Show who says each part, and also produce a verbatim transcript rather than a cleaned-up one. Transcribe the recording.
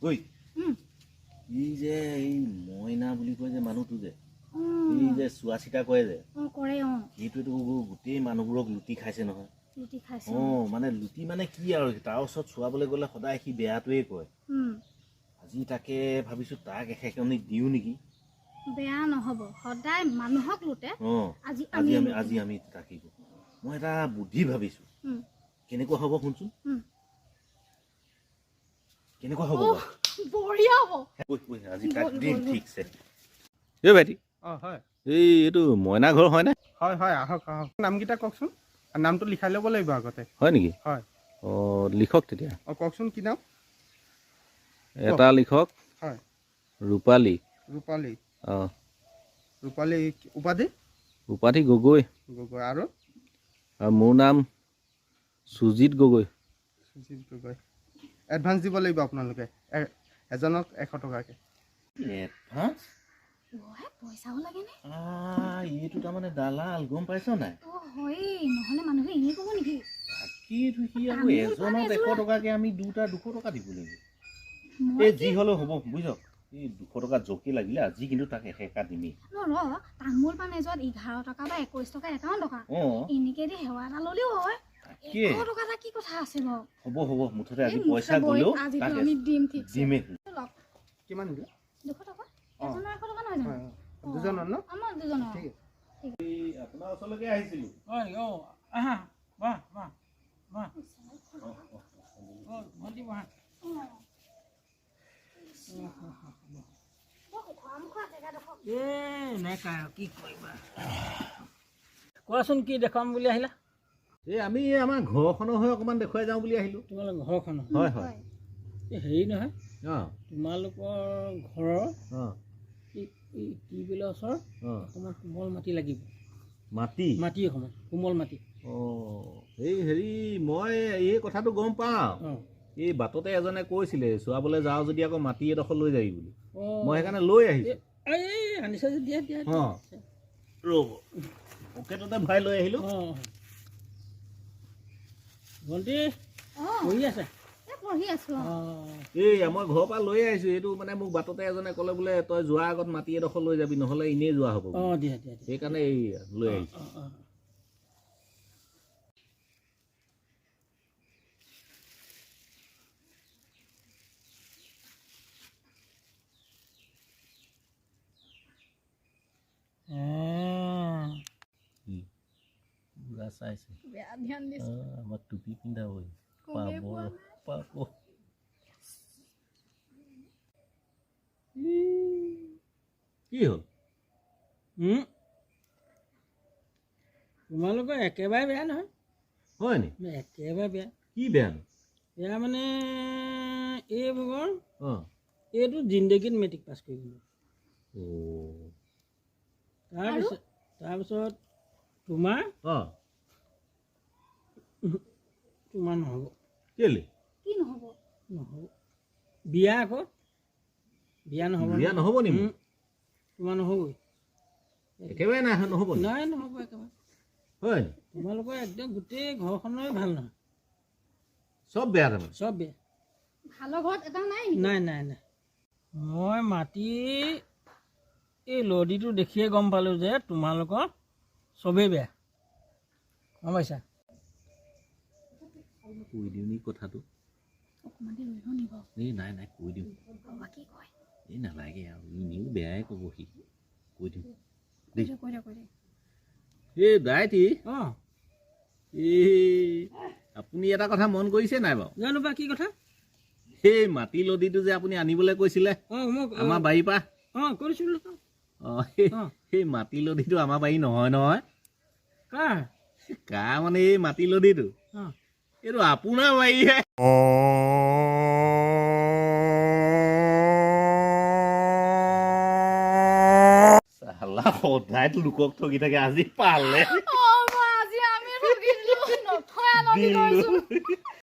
Speaker 1: ঐ ই যে এই মইনা বুলি কয় যে মানুহটো যে এই যে চোৱা চিতা কৰে যে সেইটোৱেতো গোটেই মানুহবোৰক লুটি খাইছে নহয়। অ মানে লুটি মানে কি আৰু তাৰ ওচৰত চোৱাবলৈ গ'লে সদায় সি বেয়াটোৱে কয়। আজি তাকে ভাবিছো তাক এশেকনি দিও নেকি।
Speaker 2: বেয়া নহব, সদায় মানুহক লুটে।
Speaker 1: আজি আজি আমি আজি আমি তাকিব মই এটা বুদ্ধি ভাবিছো। কেনেকুৱা হ'ব শুনচোন। কেনেকুৱা হ'ব
Speaker 2: বঢ়িয়া হ'ব।
Speaker 1: আজি তাক দিম ঠিকছে। এই ভাইটি
Speaker 3: অ হয়
Speaker 1: এই এইটো মইনা ঘৰ হয়নে?
Speaker 3: হয় হয় আহক আহক নামকেইটা কওকচোন। নামটো লিখাই ল'ব লাগিব আগতে।
Speaker 1: হয় নেকি?
Speaker 3: হয়
Speaker 1: অ লিখক তেতিয়া।
Speaker 3: অ কওকচোন কি নাম?
Speaker 1: এটা লিখক।
Speaker 3: হয়
Speaker 1: ৰূপালী।
Speaker 3: ৰূপালী।
Speaker 1: অ
Speaker 3: ৰূপালী উপাধি?
Speaker 1: উপাধি গগৈ।
Speaker 3: গগৈ আৰু?
Speaker 1: আৰু মোৰ নাম সুজিত গগৈ।
Speaker 3: সুজিত গগৈ। এডভান্স দিব লাগিব আপোনালোকে এজনক এশ টকাকৈ।
Speaker 1: এডভান্স?
Speaker 2: পইচাও লাগে নে?
Speaker 1: আ এইটো তাৰমানে দালাল গম পাইছ নাই?
Speaker 2: অ হয় নহলে মানুহে এনে ক'ব নেকি?
Speaker 1: বাকীটো কি আৰু এজনত এশ টকাকে আমি দুটা দুশ টকা দিব লাগিব। এই যি হ'লেও হ'ব বুজিছ। এই দুশ টকা জকি লাগিলে আজি কিন্তু তাক এশেকা দিমেই।
Speaker 2: ৰ তামোল পাণ এজত এঘাৰ টকা বা একৈশ টকা একাৱন্ন টকা। এনেকে দি সেৱা এটা ল'লেও হয়। এশ টকা এটা কি কথা আছে বাৰু?
Speaker 1: হ'ব হ'ব মুঠতে আজি পইচা গ'লেও
Speaker 2: তাক আমি দিম ঠিক
Speaker 1: দিমেই।
Speaker 3: কিমান দিলে?
Speaker 2: দুশ টকা। এজনৰ এশ টকা নহয় জানো?
Speaker 3: দুজনৰ ন?
Speaker 2: আমাৰ দুজনৰ।
Speaker 3: ঠিক আছে।
Speaker 1: এই আপোনাৰ ওচৰলৈকে আহিছিলোঁ।
Speaker 4: হয় অ আহা বাহ বাহ বাহ অ ভণ্টি বহা। এ নেকা কি কৰিবা কোৱাচোন কি দেখুৱাম বুলি আহিলা?
Speaker 1: এই আমি আমাৰ ঘৰখনৰ হৈ অকণমান দেখুৱাই যাওঁ বুলি আহিলোঁ।
Speaker 4: তোমালোকৰ ঘৰখন
Speaker 1: হয় হয়
Speaker 4: এই হেৰি নহয়
Speaker 1: অঁ
Speaker 4: তোমালোকৰ ঘৰৰ
Speaker 1: অঁ
Speaker 4: এই টিউবৱেলৰ ওচৰত অকণমান কোমল মাটি লাগিব।
Speaker 1: মাটি
Speaker 4: মাটি অকণমান কোমল মাটি।
Speaker 1: অঁ এই হেৰি মই এই কথাটো গম পাওঁ।
Speaker 4: অঁ
Speaker 1: এই বাটতে এজনে কৈছিলে চোৱাবলৈ যাওঁ যদি আকৌ মাটি এডোখৰ লৈ যাবি বুলি।
Speaker 4: অঁ
Speaker 1: মই সেইকাৰণে লৈ আহিছোঁ।
Speaker 4: এই আনিছা যে দিয়া দিয়া
Speaker 1: অঁ ৰ'ব পকেটতে ভৰাই লৈ আহিলোঁ।
Speaker 4: অঁ ভণ্টি পঢ়ি আছে?
Speaker 2: পঢ়ি আছো।
Speaker 1: এই মই ঘৰৰ পৰা লৈ আহিছোঁ। এইটো মানে মোক বাটতে এজনে ক'লে বোলে তই যোৱাৰ আগত মাটি এডোখৰ লৈ যাবি নহ'লে এনেই যোৱা হ'ব।
Speaker 4: অঁ দিয়া দিয়া
Speaker 1: সেইকাৰণে এই লৈ আহিছোঁ।
Speaker 4: অঁ অঁ
Speaker 1: চাইছে
Speaker 2: বেয়া ধ্যান দিছে।
Speaker 1: আমাক টুপি পিন্ধাবই পাব পাব। কি হ'ল?
Speaker 4: তোমালোকৰ একেবাৰে বেয়া নহয়।
Speaker 1: হয় নি?
Speaker 4: একেবাৰে বেয়া।
Speaker 1: কি বেয়া নো?
Speaker 4: বেয়া মানে এই ভাগৰ
Speaker 1: অঁ
Speaker 4: এইটো জিন্দগীত মেট্ৰিক পাছ কৰিবলৈ। তাৰপিছত তাৰপিছত তোমাৰ
Speaker 1: অঁ
Speaker 4: তোমাৰ নহ'ব।
Speaker 1: কেলে?
Speaker 2: কি নহ'ব?
Speaker 4: নহ'ব বিয়া আকৌ বিয়া নহ'ব।
Speaker 1: বিয়া নহ'ব নি?
Speaker 4: তোমাৰ নহ'বই
Speaker 1: একেবাৰে নাই নহ'ব
Speaker 4: নাই নহ'ব একেবাৰে।
Speaker 1: হয়
Speaker 4: তোমালোকৰ একদম গোটেই ঘৰখনৰে ভাল নহয়।
Speaker 1: চব বেয়া তাৰমানে?
Speaker 2: চব বেয়া। ভালৰ ঘৰত এটা নাই
Speaker 4: নাই নাই নাই। মই মাটি এই লদিটো দেখিয়ে গম পালোঁ যে তোমালোকৰ চবেই বেয়া গম পাইছা।
Speaker 1: কৈ দিওঁ নি কথাটো? এই নাই নাই কৈ দিওঁ। এই নালাগে আৰু এনেও বেয়াই ক'ব সি। কৈ দিওঁ দেই। এই দাইটি
Speaker 4: অঁ
Speaker 1: এই আপুনি এটা কথা মন কৰিছে নাই বাৰু?
Speaker 4: জানো বা কি কথা?
Speaker 1: সেই মাটি লদিটো যে আপুনি আনিবলৈ কৈছিলে
Speaker 4: অঁ মোক
Speaker 1: আমাৰ বাৰীৰ পৰা।
Speaker 4: অঁ কৰিছিলোঁ।
Speaker 1: অঁ সেই মাটি লদিটো আমাৰ বাৰী নহয় নহয়।
Speaker 4: কাৰ
Speaker 1: কাৰ মানে এই মাটি লদিটো
Speaker 4: অঁ
Speaker 1: এইটো আপোনাৰ বাৰীহে। চালা সদায়তো লোকক ঠগি থাকে আজি পালে।
Speaker 2: আজি আমি ঠগি দিলো। নথয়া নদী